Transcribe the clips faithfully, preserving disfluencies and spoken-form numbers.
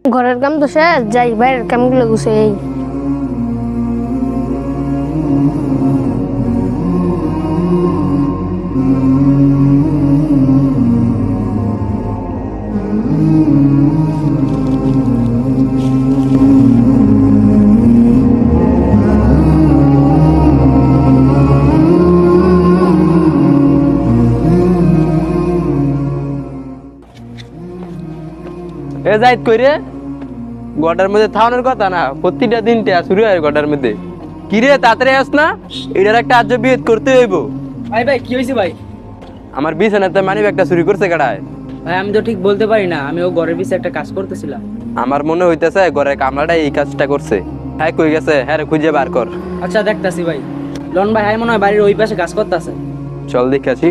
ঘরের কাম তো শেষ, যাই বাইরের কামগুলো গুছাই। এ যাইত কইরে গডার মধ্যে থাওয়ানোর কথা না, প্রতিটা দিনটা শুরু হয় গডার মধ্যে। কিরে তাড়াতাড়ি আস না, এটার একটা আজ বিয়ে করতে হইব। ভাই ভাই কি হয়েছে ভাই? আমার বিছানাতে মানি ব্যাগটা চুরি করছে কাটায়। ভাই আমি তো ঠিক বলতে পারি না, আমি ও ঘরের পিছে একটা কাজ করতেছিলাম। আমার মনে হইতেছে ঘরের কামলাটা এই কাজটা করছে। হ্যাঁ কই গেছে, হ্যাঁ রে খুঁজে বার কর। আচ্ছা দেখতাছি ভাই। লন ভাই হ্যাঁ মনে হয় বাড়ির ওই পাশে কাজ করতেছে। চল দেখে আসি।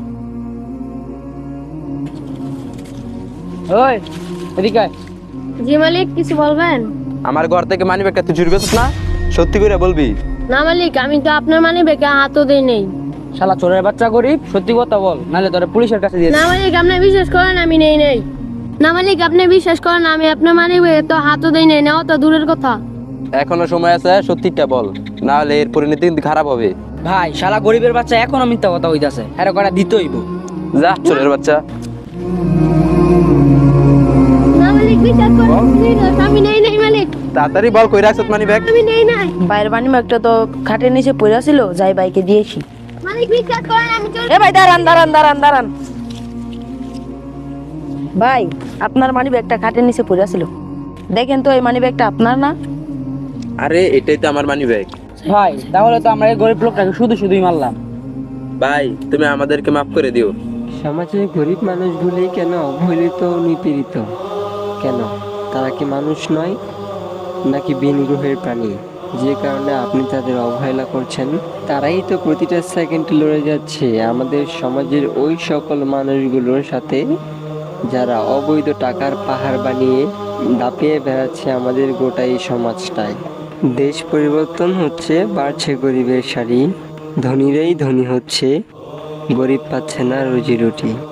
ওই এদিকে আয়। জি মালিক, কিছু বলবেন? আমার ঘর থেকে মানি ব্যাগটা তুই চুরি করছিস না? সত্যি করে বলবি। না মালিক, আমি তো আপনার মানে বেকে হাতও দেই নেই। শালা চোরের বাচ্চা গরিব, সত্যি কথা বল, নাহলে তোরে পুলিশের কাছে দিয়ে না দিবো। মালিক, আপনি বিশ্বাস করেন আমি নেই নেই। না মালিক, আপনি বিশ্বাস করেন আমি আপনার মানে তো হাতও দেই নেই, নেওয়া তো দূরের কথা। এখনো সময় আছে, সত্যিটা বল, না হলে এর পরিণতি কিন্তু খারাপ হবে। ভাই শালা গরিবের বাচ্চা এখনো মিথ্যা কথা হইতাছে, হ্যাঁ কটা দিতে হইব। যা চোরের বাচ্চা। না মালিক, বিশ্বাস করেন আমি নেই নেই মালিক, তাড়াতাড়ি বল কই রাখছত মানি ব্যাগ। আমি নেই নাই। বাইরের বানি একটা তো খাটের নিচে পড়ে ছিল, যাই বাইকে দিয়েছি। মালিক বিশ্বাস করেন আমি চোর। এ ভাই দাঁড়ান দাঁড়ান দাঁড়ান দাঁড়ান ভাই, আপনার মানি ব্যাগটা খাটের নিচে পড়ে ছিল, দেখেন তো এই মানি ব্যাগটা আপনার না? আরে এটাই তো আমার মানি ব্যাগ। ভাই তাহলে তো আমরা এই গরিব লোকটাকে শুধু শুধুই মারলাম। ভাই তুমি আমাদেরকে মাফ করে দিও। সমাজে গরিব মানুষগুলি কেন অবহেলিত ও নিপীড়িত? কেন তারা কি মানুষ নয়, নাকি বিন গ্রহের প্রাণী? যে কারণে আপনি তাদের অবহেলা করছেন, তারাই তো প্রতিটা সেকেন্ডে লড়ে যাচ্ছে আমাদের সমাজের ওই সকল মানুষগুলোর সাথে যারা অবৈধ টাকার পাহাড় বানিয়ে দাপিয়ে বেড়াচ্ছে আমাদের গোটা এই সমাজটায়। দেশ পরিবর্তন হচ্ছে, বাড়ছে গরিবের সারি, ধনীরাই ধনী হচ্ছে, গরিব পাচ্ছে না রুজি রুটি।